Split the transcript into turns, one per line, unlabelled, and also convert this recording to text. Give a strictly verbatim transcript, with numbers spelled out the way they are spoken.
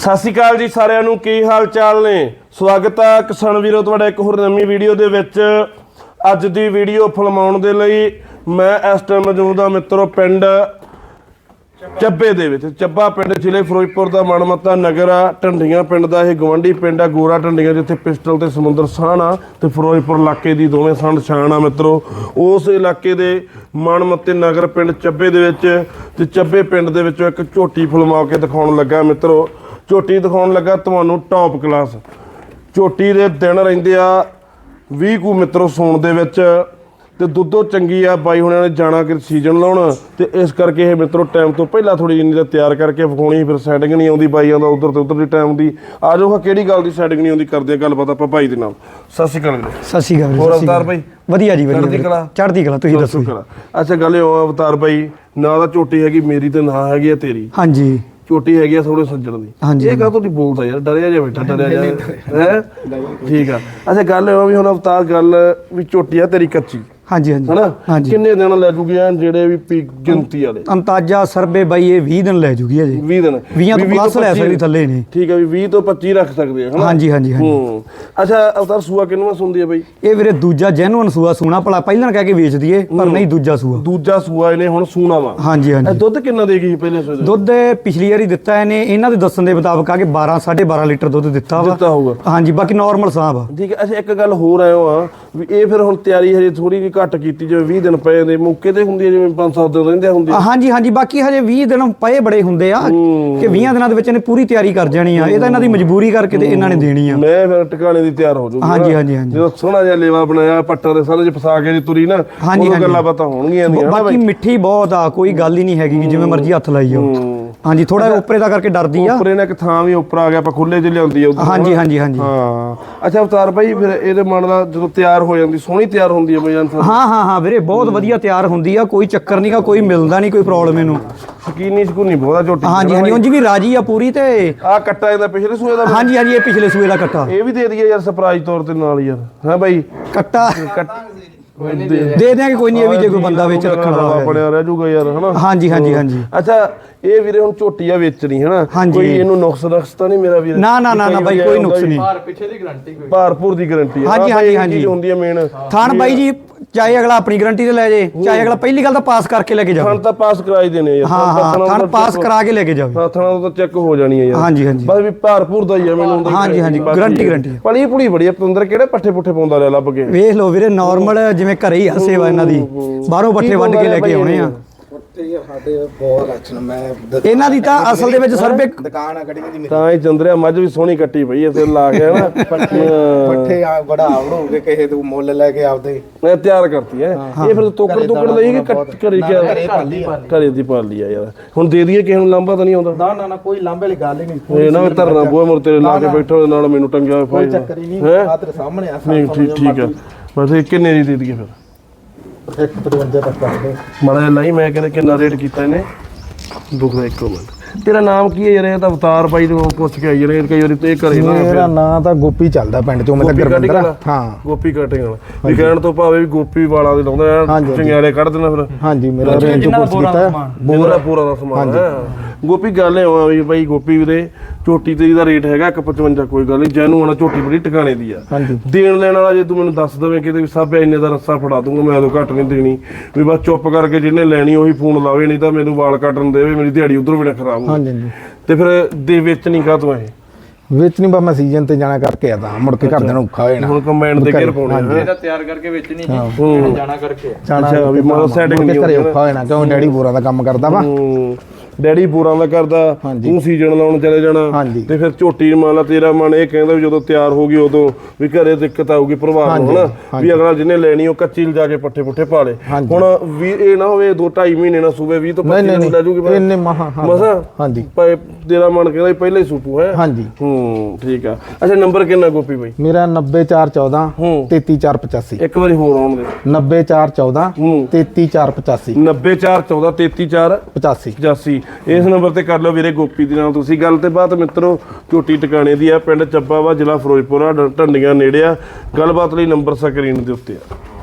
ਸਤਿ ਸ਼੍ਰੀ ਅਕਾਲ ਜੀ ਸਾਰਿਆਂ ਨੂੰ, ਕੀ ਹਾਲ ਚਾਲ ਨੇ। ਸਵਾਗਤ ਹੈ ਕਿਸਾਨ ਵੀਰੋ ਤੁਹਾਡਾ ਇੱਕ ਹੋਰ ਨਵੀਂ ਵੀਡੀਓ ਦੇ ਵਿੱਚ। ਅੱਜ ਦੀ ਵੀਡੀਓ ਫਿਲਮਾਉਣ ਦੇ ਲਈ ਮੈਂ ਇਸ ਟਾਈਮ ਮੌਜੂਦ ਹਾਂ ਮਿੱਤਰੋ ਪਿੰਡ ਚੱਬੇ ਦੇ ਵਿੱਚ। ਚੱਬਾ ਪਿੰਡ ਜ਼ਿਲ੍ਹੇ ਫਿਰੋਜ਼ਪੁਰ ਦਾ ਮਨਮੱਤਾ ਨਗਰ ਆ। ਢੰਡੀਆਂ ਪਿੰਡ ਦਾ ਇਹ ਗਵਾਂਢੀ ਪਿੰਡ ਆ ਗੋਰਾ ਢੰਡੀਆਂ, ਜਿੱਥੇ ਪਿਸਟਲ ਤੇ ਸਮੁੰਦਰ ਸਾਹਣ ਆ ਤੇ ਫਿਰੋਜ਼ਪੁਰ ਇਲਾਕੇ ਦੀ ਦੋਵੇਂ ਸੰਡ ਛਾਣ ਆ ਮਿੱਤਰੋ। ਉਸ ਇਲਾਕੇ ਦੇ ਮਨਮੱਤੇ ਨਗਰ ਪਿੰਡ ਚੱਬੇ ਦੇ ਵਿੱਚ ਤੇ ਚੱਬੇ ਪਿੰਡ ਦੇ ਵਿੱਚੋਂ ਇੱਕ ਝੋਟੀ ਫਿਲਮਾ ਕੇ ਦਿਖਾਉਣ ਲੱਗਾ ਮਿੱਤਰੋ। ਝੋਟੀ ਦਿਖਾਉਣ ਲੱਗਾ ਤੁਹਾਨੂੰ ਟੌਪ ਕਲਾਸ। ਝੋਟੀ ਦੇ ਦਿਨ ਰਹਿੰਦੇ ਆ ਵੀਹ ਕੁ ਮਿੱਤਰੋ ਸੌਣ ਦੇ ਵਿੱਚ ਤੇ ਦੁੱਧੋ ਚੰਗੀ ਆ। ਬਾਈ ਹੁਣਾਂ ਨੇ ਜਾਣਾ ਕਿ ਸੀਜ਼ਨ ਲਾਉਣ ਤੇ ਇਸ ਕਰਕੇ ਇਹ ਮਿੱਤਰੋ ਟਾਈਮ ਤੋਂ ਪਹਿਲਾਂ ਥੋੜੀ ਜਿੰਨੀ ਦਾ ਤਿਆਰ ਕਰਕੇ ਵਿਖਾਉਣੀ। ਫਿਰ ਸੈਟਿੰਗ ਨਹੀਂ ਆਉਂਦੀ ਬਾਈਆਂ ਦਾ ਉਧਰ ਤੇ ਉਧਰ ਦੀ ਟਾਈਮ ਦੀ। ਆ ਜਾਓ ਕਿਹੜੀ ਗੱਲ ਦੀ ਸੈਟਿੰਗ ਨਹੀਂ ਆਉਂਦੀ, ਕਰਦੇ ਆ ਗੱਲਬਾਤ ਆਪਾਂ ਭਾਈ ਦੇ ਨਾਲ। ਸਤਿ ਸ਼੍ਰੀ ਅਕਾਲ ਵੀਰੇ।
ਸਤਿ ਸ਼੍ਰੀ ਅਕਾਲ।
ਹੋਰ ਅਵਤਾਰ ਬਾਈ?
ਵਧੀਆ ਜੀ, ਵਧੀਆ।
ਚੜ੍ਹਦੀ ਕਲਾ?
ਚੜ੍ਹਦੀ ਕਲਾ, ਤੁਸੀਂ ਦੱਸੋ।
ਅੱਛਾ ਗੱਲ ਇਹ ਅਵਤਾਰ ਬਾਈ, ਨਾ ਤਾਂ ਝੋਟੀ ਹੈਗੀ ਮੇਰੀ ਤੇ ਨਾ ਹੈਗੀ ਆ ਤੇਰੀ।
ਹਾਂਜੀ,
ਝੋਟੀ ਹੈਗੀ ਆ ਥੋੜੇ ਸੱਜਣ ਦੀ। ਇਹ ਕਾਹ ਤੋਂ ਨਹੀਂ ਬੋਲਦਾ ਯਾਰ, ਡਰਿਆ ਜਾ ਬੈਠਾ, ਡਰਿਆ ਜਾ ਹੈ। ਠੀਕ ਆ। ਅੱਛਾ ਗੱਲ ਇਹ ਵੀ ਹੁਣ ਅਵਤਾਰ ਗੱਲ ਵੀ ਝੋਟੀ ਆ ਤੇਰੀ ਕੱਚੀ।
ਹਾਂਜੀ ਹਾਂਜੀ
ਹਨਾ।
ਹਾਂਜੀ।
ਕਿੰਨੇ ਦਿਨ ਲੈ ਜੂਗੀ ਜਿਹੜੇ ਵੀ ਪੀ ਗਿਣਤੀ ਵਾਲੇ? ਅੰਤਾਜਾ
ਸਰਬੇ ਬਾਈ ਇਹ ਵੀਹ ਦਿਨ ਲੈ ਜੂਗੀ ਅਜੇ।
ਵੀਹ ਦਿਨ
ਵੀਹ ਤੋਂ ਪਲੱਸ ਲੈ ਸਕਦੀ ਥੱਲੇ ਨਹੀਂ।
ਠੀਕ ਆ ਵੀ ਵੀਹ ਤੋਂ ਪੱਚੀ ਰੱਖ ਸਕਦੇ ਆ ਹਨਾ।
ਹਾਂਜੀ ਹਾਂਜੀ ਹਾਂਜੀ।
ਹੂੰ। ਅੱਛਾ ਅਵਤਾਰ ਸੂਆ ਕਿੰਨਵਾਂ ਸੁਣਦੀ ਆ ਬਾਈ?
ਇਹ ਵੀਰੇ ਦੂਜਾ ਜੈਨੂਅਨ ਸੂਆ ਸੂਣਾ ਭਲਾ ਪਹਿਲਾਂ ਕਹਿ ਕੇ ਵੇਚ ਦਈਏ ਪਰ ਨਹੀਂ, ਦੂਜਾ ਸੂਆ।
ਦੂਜਾ ਸੂਆ ਇਹਨੇ ਹੁਣ ਸੂਣਾ ਵਾ।
ਹਾਂਜੀ ਹਾਂਜੀ।
ਦੁੱਧ ਕਿੰਨਾ ਦੇ ਗਈ ਪਹਿਲੇ ਸੂਏ?
ਦੁੱਧ ਪਿਛਲੀ ਵਾਰੀ ਦਿੱਤਾ ਇਹਨੇ, ਇਹਨਾਂ ਦੇ ਦੱਸਣ ਦੇ ਮੁਤਾਬਕ ਆ ਕਿ ਬਾਰਾਂ ਸਾਢੇ ਬਾਰਾਂ ਲੀਟਰ ਦੁੱਧ ਦਿੱਤਾ ਵਾ।
ਦਿੱਤਾ ਹੋਊਗਾ।
ਹਾਂਜੀ, ਬਾਕੀ ਨਾਰਮਲ ਸਾਹ ਆ।
ਠੀਕ ਹੈ। ਅੱਛਾ ਇੱਕ ਗੱਲ ਹੋਰ ਆਇਓ ਆ ਵੀ ਇਹ ਫਿਰ ਹੁਣ ਤਿਆਰੀ ਹਜੇ ਥੋੜੀ ਜਿਹੀ ਘੱਟ ਕੀਤੀ, ਜਿਵੇਂ ਵੀਹ ਦਿਨ ਪਏ ਨੇ ਮੌਕੇ ਤੇ ਹੁੰਦੀ ਹੈ, ਜਿਵੇਂ ਪੰਜ ਸੱਤ ਦਿਨ ਰਹਿੰਦੇ ਹੁੰਦੇ।
ਹਾਂਜੀ ਹਾਂਜੀ। ਬਾਕੀ ਹਜੇ ਵੀਹ ਦਿਨ ਪਏ ਬੜੇ ਹੁੰਦੇ ਆ ਕਿ ਵੀਹਾਂ ਦਿਨਾਂ ਦੇ ਵਿੱਚ ਇਹਨੇ ਪੂਰੀ ਤਿਆਰੀ ਕਰ ਜਾਣੀ ਆ। ਇਹ ਤਾਂ ਇਹਨਾਂ ਦੀ ਮਜਬੂਰੀ ਕਰਕੇ ਤੇ ਇਹਨਾਂ ਨੇ ਦੇਣੀ ਆ।
ਮੈਂ ਫਿਰ ਟਿਕਾਣੇ ਦੀ ਤਿਆਰ ਹੋ ਜਾਊਗੀ।
ਹਾਂਜੀ ਹਾਂਜੀ ਹਾਂਜੀ।
ਜਦੋਂ ਸੋਹਣਾ ਜਿਹਾ ਲੇਵਾ ਬਣਾਇਆ ਪੱਟਾਂ ਦੇ ਸਾਰੇ ਚ ਫਸਾ ਕੇ ਜੀ ਤੁਰੀ ਨਾ, ਉਹ ਗੱਲਾਂ ਬਾਤਾਂ ਹੋਣਗੀਆਂ।
ਬਾਕੀ ਮਿੱਠੀ ਬਹੁਤ ਆ, ਕੋਈ ਗੱਲ ਹੀ ਨਹੀਂ ਹੈਗੀ ਜਿਵੇਂ ਮਰਜ਼ੀ ਹੱਥ ਲਾਈ ਜਾਓ। ਹਾਂਜੀ, ਥੋੜਾ ਉੱਪਰੇ ਦਾ ਕਰਕੇ ਡਰਦੀ ਆ।
ਉੱਪਰੇ ਨੇ ਇੱਕ ਥਾਂ ਵੀ ਉੱਪਰ ਆ ਗਿਆ, ਆਪਾਂ ਖੁੱਲੇ ਚ ਲਿਆਉਂਦੀ ਆ।
ਹਾਂਜੀ ਹਾਂਜੀ ਹਾਂਜੀ।
ਹਾਂ। ਅੱਛਾ ਅਵਤਾਰ ਬਾਈ ਫਿਰ ਇਹਦੇ ਮਨ ਦਾ ਜਦੋਂ ਤਿਆਰ ਹੋ ਜਾਂਦੀ, ਸੋਹਣੀ ਤਿਆਰ ਹੁੰਦੀ ਹੈ ਬਈ?
ਹਾਂ ਹਾਂ ਹਾਂ ਵੀਰੇ, ਬਹੁਤ ਵਧੀਆ ਤਿਆਰ ਹੁੰਦੀ ਆ, ਕੋਈ ਚੱਕਰ ਨਹੀਂਗਾ, ਕੋਈ ਮਿਲਦਾ ਨਹੀਂ, ਕੋਈ ਪ੍ਰੋਬਲਮ ਇਹਨੂੰ।
ਸ਼ਕੀਨੀ ਸ਼ਕੂਨੀ ਬਹੁਤਾ ਝੋਟੀ।
ਹਾਂਜੀ ਹਾਂਜੀ। ਉਂਝ ਵੀ ਰਾਜੀ ਆ ਪੂਰੀ। ਤੇ
ਆ ਕੱਟਾ ਇਹਦਾ ਪਿਛਲੇ ਸੂਏ ਦਾ? ਹਾਂਜੀ
ਹਾਂਜੀ, ਇਹ ਪਿਛਲੇ ਸੂਏ ਦਾ ਕੱਟਾ।
ਇਹ ਵੀ ਦੇ ਦਈਏ ਯਾਰ ਸਰਪ੍ਰਾਈਜ਼ ਤੌਰ ਤੇ ਨਾਲ ਯਾਰ। ਹਾਂ ਬਾਈ
ਕੱਟਾ ਦੇ ਦਿਆਂਗੇ, ਕੋਈ ਨਹੀਂ। ਇਹ ਵੀ ਜੇ ਕੋਈ ਬੰਦਾ ਵਿੱਚ ਰੱਖਣ ਵਾਲਾ
ਬਣਿਆ ਰਹਿ ਜਾਊਗਾ ਯਾਰ ਹਨਾ।
ਹਾਂਜੀ ਹਾਂਜੀ ਹਾਂਜੀ।
ਅੱਛਾ ਇਹ ਵੀਰੇ ਹੁਣ ਝੋਟੀ ਆ ਵੇਚਣੀ ਹਨਾ, ਕੋਈ ਇਹਨੂੰ ਨੁਕਸ ਨੁਕਸ ਤਾਂ ਨਹੀਂ ਮੇਰਾ ਵੀਰ?
ਨਾ ਨਾ ਨਾ ਨਾ ਬਾਈ, ਕੋਈ ਨੁਕਸ ਨਹੀਂ।
ਭਾਰ ਪਿੱਛੇ ਦੀ ਗਾਰੰਟੀ, ਕੋਈ
ਭਾਰਪੂਰ ਦੀ ਗਾਰੰਟੀ।
ਹਾਂਜੀ ਹਾਂਜੀ ਹਾਂਜੀ
ਹੁੰਦੀ ਹੈ ਮੇਨ
ਥਾਣ ਬਾਈ ਜੀ। ਚਾਹੇ ਅਗਲਾ ਆਪਣੀ ਗਾਰੰਟੀ ਤੇ ਲੈ ਜੇ, ਚਾਹੇ ਅਗਲਾ ਪਹਿਲੀ ਗੱਲ ਤਾਂ ਪਾਸ ਕਰਕੇ ਲੈ ਕੇ ਜਾਵੇ।
ਥਾਣ ਤਾਂ ਪਾਸ ਕਰਾਈ ਦੇਣੇ ਯਾਰ।
ਹਾਂ ਹਾਂ, ਥਾਣ ਪਾਸ ਕਰਾ ਕੇ ਲੈ ਕੇ ਜਾਵੇ।
ਹਾਂ, ਥਾਣਾ ਤਾਂ ਚੈੱਕ ਹੋ ਜਾਣੀ ਹੈ ਯਾਰ। ਹਾਂਜੀ
ਹਾਂਜੀ।
ਬਸ ਵੀ ਭਾਰਪੂਰ ਦਾ ਹੀ ਆ ਮੈਨੂੰ।
ਹਾਂਜੀ ਹਾਂਜੀ, ਗਾਰੰਟੀ ਗਾਰੰਟੀ।
ਪਲੀ ਪੁੜੀ ਬੜੀ ਪਤੰਦਰ, ਕਿਹੜੇ ਪੱਠੇ ਪੁੱਠੇ ਪਾਉਂਦਾ ਰਿਹਾ ਲੱਭ ਕੇ?
ਵੇਖ ਲਓ ਵੀਰੇ, ਨਾਰਮਲ ਜਿਵੇਂ ਘਰੇ ਹੀ ਆ ਸੇਵਾ ਇਹਨਾਂ ਦੀ। ਬਾਹਰੋਂ ਪੱਠੇ ਵੱਢ ਕੇ ਲੈ ਕੇ ਆਉਣੇ ਆ।
ਸਾਡੇ ਬਹੁਤ ਲੱਛਣ। ਮੈਂ
ਇਹਨਾਂ ਦੀ ਤਾਂ ਅਸਲ ਦੇ ਵਿੱਚ ਸਰਬੇ
ਦੁਕਾਨ ਆ ਗੜੀਆਂ ਦੀ।
ਤਾਂ ਹੀ ਚੰਦਰਿਆ ਮੱਝ ਵੀ ਸੋਹਣੀ ਕੱਟੀ ਪਈ ਐ ਤੇ ਲਾ ਕੇ ਨਾ
ਪੱਠੇ ਆ ਬੜਾ ਆਵੜੋਗੇ ਕਿਸੇ ਤੋਂ ਮੁੱਲ ਲੈ ਕੇ ਆਪਦੇ
ਮੈਂ ਤਿਆਰ ਕਰਤੀ ਐ। ਇਹ ਫਿਰ ਤੋਕੜ ਤੋਕੜ ਲਈ ਕਿ ਘਰੇ ਗਿਆ? ਘਰੇ ਦੀ ਪਾਲ ਲਈ ਆ ਯਾਰ। ਹੁਣ ਦੇ ਦਈਏ ਕਿਸੇ ਨੂੰ, ਲਾਂਭਾ ਤਾਂ ਨਹੀਂ ਆਉਂਦਾ?
ਨਾ ਨਾ ਨਾ, ਕੋਈ ਲਾਂਭੇ ਵਾਲੀ ਗੱਲ ਹੀ ਨਹੀਂ।
ਇਹ ਨਾ ਧਰਨਾ ਬੂਹੇ ਮੁਰ ਤੇਰੇ ਲਾ ਕੇ ਬੈਠਾ ਉਹਦੇ ਨਾਲ ਮੈਨੂੰ ਟੰਗਿਆ ਹੋਇਆ।
ਕੋਈ ਚੱਕਰ ਹੀ ਨਹੀਂ, ਆ ਤੇਰੇ ਸਾਹਮਣੇ ਆ।
ਨਹੀਂ ਠੀਕ ਠੀਕ ਆ। ਬਸ ਇਹ ਕਿੰਨੇ ਦੀ ਦੇ ਦਈਏ ਫਿਰ?
ਇੱਕ ਪਚਵੰਜਾ ਤੱਕ ਕਰ ਦੇ
ਮਾੜਾ ਜਿਹਾ ਲਾਈ। ਮੈਂ ਕਹਿੰਦਾ ਕਿੰਨਾ ਰੇਟ ਕੀਤਾ ਇਹਨੇ? ਦੁਖਦਾ ਇੱਕ ਮਿੰਟ। ਤੇਰਾ ਨਾਮ ਕੀ ਹੈ ਯਾਰ? ਇਹ ਤਾਂ ਅਵਤਾਰ ਬਾਈ ਨੂੰ ਪੁੱਛ ਕੇ ਆਈ ਯਾਰ, ਕਈ ਵਾਰੀ ਤੇ ਘਰੇ ਨਾ।
ਮੇਰਾ ਨਾਂ ਤਾਂ ਗੋਪੀ ਚੱਲਦਾ ਪਿੰਡ ਚੋਂ। ਮੈਂ ਤਾਂ ਗੁਰਵਿੰਦਰ। ਹਾਂ,
ਗੋਪੀ ਕਟਿੰਗ ਵਾਲਾ ਵੀ ਕਹਿਣ ਤੋਂ ਭਾਵੇਂ ਵੀ ਗੋਪੀ ਵਾਲਾ ਦੇ ਲਾਉਂਦਾ ਚੰਗਿਆੜੇ ਕੱਢ ਦੇਣਾ ਫਿਰ।
ਹਾਂਜੀ, ਮੇਰਾ ਰੇਂਜ ਕੋਰਸ ਕੀਤਾ।
ਬੋਰਾ ਪੂਰਾ ਦਾ ਸਮਾਨ ਹੈ। ਗੋਪੀ ਗੱਲ ਇਹ ਹੋਆ ਵੀ ਬਾਈ ਗੋਪੀ ਵੀਰੇ ਝੋਟੀ ਤੇਰੀ ਦਾ ਰੇਟ ਹੈਗਾ ਇੱਕ ਪਚਵੰਜਾ, ਕੋਈ ਗੱਲ ਨਹੀਂ। ਜੈਨੂੰ ਆਣਾ ਝੋਟੀ ਬੜੀ ਟਿਕਾਣੇ ਦੀ ਆ। ਦੇਣ ਲੈਣ ਵਾਲਾ ਜੇ ਤੂੰ ਮੈਨੂੰ ਦੱਸ ਦਵੇਂ ਕਿਤੇ ਵੀ ਸਭ ਇੰਨੇ ਦਾ ਰੱਸਾ ਫੜਾ ਦੂੰਗਾ, ਮੈਂ ਉਦੋਂ ਘੱਟ ਨਹੀਂ ਦੇਣੀ। ਵੀ ਬਸ ਚੁੱਪ ਕਰਕੇ ਜਿਹਨੇ ਲੈਣੀ ਉਹੀ ਫੋਨ ਲਾਵੇ, ਨਹੀਂ ਤਾਂ ਮੈਨੂੰ ਵਾਲ ਕੱਟਣ ਦੇਵੇ, ਮੇਰੀ ਦਿਹਾੜੀ ਉਧਰੋਂ ਵੀ ਨਾ ਖਰਾਬ ਹੋ। ਤੇ ਫਿਰ ਦੇ ਵਿੱਚ ਨਹੀਂ ਕਾ ਤੂੰ ਇਹ
ਵਿੱਚ ਨਹੀਂ? ਬਾ ਮੈਂ ਸੀਜ਼ਨ ਤੇ ਜਾਣਾ ਕਰਕੇ ਆ, ਤਾਂ ਮੁੜ ਕੇ ਘਰ ਦੇ ਨੂੰ ਔਖਾ ਹੋ ਜਾਣਾ।
ਹੁਣ ਕੰਬਾਈਨ ਤੇ ਘੇਰ ਪਾਉਣੇ
ਇਹਦਾ
ਤਿਆਰ ਕਰਕੇ ਵੇਚਣੀ ਜੀ, ਜਾਣਾ ਕਰਕੇ
ਅੱਛਾ ਵੀ ਮਤਲਬ ਸੈਟਿੰਗ ਨਹੀਂ
ਘਰੇ ਔਖਾ ਹੋ ਜਾਣਾ, ਕਿਉਂ ਡੈਡੀ ਬੋਰਾਂ ਦਾ ਕੰਮ ਕਰਦਾ ਵਾ।
ਡੈਡੀ ਪੂਰਾਂ ਦਾ ਕਰਦਾ, ਤੂੰ ਸੀਜ਼ਨ ਲਾਉਣ ਚਲੇ ਜਾਣਾ। ਤੇ ਫਿਰ ਝੋਟੀ ਮੰਨ ਲਾ ਤੇਰਾ ਮਨ ਇਹ ਕਹਿੰਦਾ ਵੀ ਜਦੋਂ ਤਿਆਰ ਹੋ ਗਈ ਉਦੋਂ ਵੀ ਘਰੇ ਦਿੱਕਤ ਆਊਗੀ ਪ੍ਰਭਾਵ ਨੂੰ ਹਨਾ, ਵੀ ਅਗਲਾ ਜਿਹਨੇ ਲੈਣੀ ਉਹ ਕੱਚੀ ਲਿਜਾ ਕੇ ਪੱਠੇ ਪੁੱਠੇ ਪਾ ਲੇ। ਹੁਣ ਵੀ ਇਹ ਨਾ ਹੋਵੇ ਦੋ ਢਾਈ ਮਹੀਨੇ ਨਾਲ ਸੂਬੇ ਵੀਹ ਤੋਂ ਪੱਚੀ ਨੂੰ ਲੈ ਜੂਗੀ
ਇੰਨੇ ਮਹਾ
ਮਸਾ।
ਹਾਂਜੀ,
ਤੇਰਾ ਮਨ ਕਹਿੰਦਾ ਪਹਿਲੇ ਹੀ ਸੂਪੂ ਹੈ।
ਹਾਂਜੀ
ਹੂੰ ਠੀਕ ਆ। ਅੱਛਾ ਨੰਬਰ ਕਿੰਨਾ ਗੋਪੀ ਬਾਈ?
ਮੇਰਾ ਨੱਬੇ ਚਾਰ ਚੌਦਾਂ ਤੇਤੀ ਚਾਰ ਪਚਾਸੀ।
ਇੱਕ ਵਾਰੀ ਹੋਰ ਆਉਣ ਦੇ।
ਨੱਬੇ ਚਾਰ ਚੌਦਾਂ ਤੇਤੀ ਚਾਰ ਪਚਾਸੀ।
ਨੱਬੇ ਚਾਰ ਚੌਦਾਂ ਤੇਤੀ ਚਾਰ
ਪਚਾਸੀ
ਪਚਾਸੀ। ਇਸ ਨੰਬਰ ਤੇ ਕਰ ਲਓ ਵੀਰੇ ਗੋਪੀ ਦੇ ਨਾਲ ਤੁਸੀਂ ਗੱਲ। ਤੇ ਬਾਤ ਮਿੱਤਰੋ ਝੋਟੀ ਟਿਕਾਣੇ ਦੀ ਆ, ਪਿੰਡ ਚੱਬਾ ਵਾ, ਜ਼ਿਲ੍ਹਾ ਫਿਰੋਜ਼ਪੁਰ ਆ, ਢੰਡੀਆਂ ਨੇੜੇ ਆ। ਗੱਲਬਾਤ ਲਈ ਨੰਬਰ ਸਕਰੀਨ ਦੇ ਉੱਤੇ ਆ।